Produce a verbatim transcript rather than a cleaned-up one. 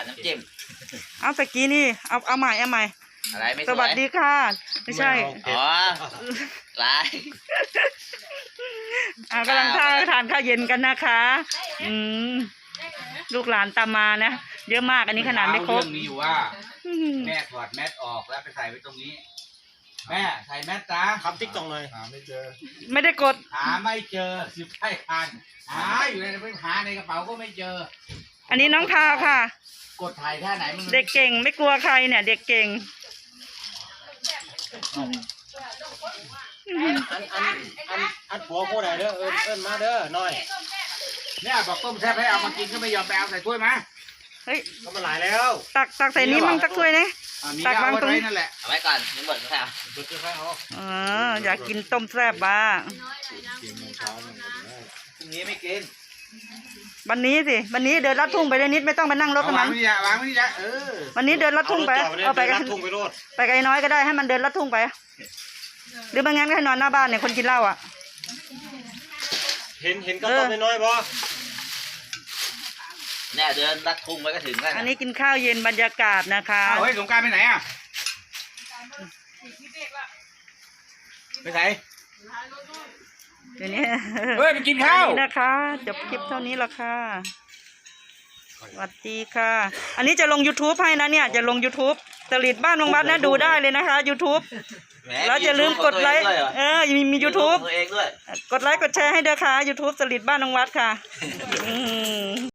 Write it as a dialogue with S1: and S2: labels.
S1: น้ำจิ้ม
S2: เอาตะกี้นี่เอาเอาใหม่เอาใหม่
S1: อะไรไม่สวย
S2: สวัสดีค่ะไม่ใช่
S1: อ๋อไลน์
S2: อ่ากำลังทานทานข้าวเย็นกันนะคะอืมลูกหลานตามมานะเยอะมากอันนี้ขนาดไม่ครบ
S3: เรื่องมีอยู่ว่าแม่ถอดแมสออกแล้วไปใส่ไว้ตรงนี้แม่ใส่แมสจ้า
S4: ทำติ๊กตอกเลยหาไม่เจอ
S2: ไม่ได้กด
S3: หาไม่เจอสิบใช่คันหาอยู่ในไปหาในกระเป๋าก็ไม่เจอ
S2: อันนี้น้องพาวค่ะ
S3: กดถ่ายท่าไหนมัน
S2: เด็กเก่งไม่กลัวใครเนี่ยเด็กเก่ง
S4: อันอันอันอันผัวผู้ใดเด้อเอิ้นเอิ้นมาเด้อหน่อย
S3: เนี่ยบอกต้มแซ่บให้เอามากินก็ไม่ยอมไปเอาใส่ถ้วยมา
S2: เฮ้ย
S4: ก็มาหลายแล้ว
S2: ตักตักใส่นี้มั่งสักถ้วยนะ
S3: ตักวางตรงนี้นั่นแหละ
S1: เอาไว้ก่อนยังหมดแล้ว
S4: เบิดค่อยๆเอา
S2: เอออยากกินต้มแซ่บบ้าง
S3: พรุ่งนี้ไม่กิน
S2: วันนี้สิวันนี้เดินลัดทุ่งไปเลยนิดไม่ต้องไปนั่งรถกับมัน
S3: วางไม่ได้วางไม่ได้เออ
S2: วันนี้เดินลัดทุ่งไปเอาไปกันไปไกลน้อยก็ได้ให้มันเดินลัดทุ่งไปหรือไม่งั้นก็ให้นอนหน้าบ้านเนี่ยคนกินเหล้าอ่ะ
S4: เห็นเห็นกระต้มน้อยๆบ่
S1: เนี่ยเดินลัดทุ่งไว้ก็ถึงแล้ว
S2: อันนี้กินข้าวเย็นบรรยากาศนะคะ
S3: เฮ้ยสงการไปไหนอ่ะไปไหน
S2: เดี๋ยวนี้
S3: เฮ้ยไปกินข้าว
S2: นะคะจบคลิปเท่านี้ละค่ะสวัสดีค่ะอันนี้จะลง ยูทูบ ให้นะเนี่ยจะลง ยูทูบ ตลิดบ้านวังวัดนะดูได้เลยนะคะ ยูทูบ แล้วอย่าลืมกดไลค์เออมีมี ยูทูบ กดไลค์กดแชร์ให้ด้วยค่ะ ยูทูบ ตลิดบ้านวังวัดค่ะ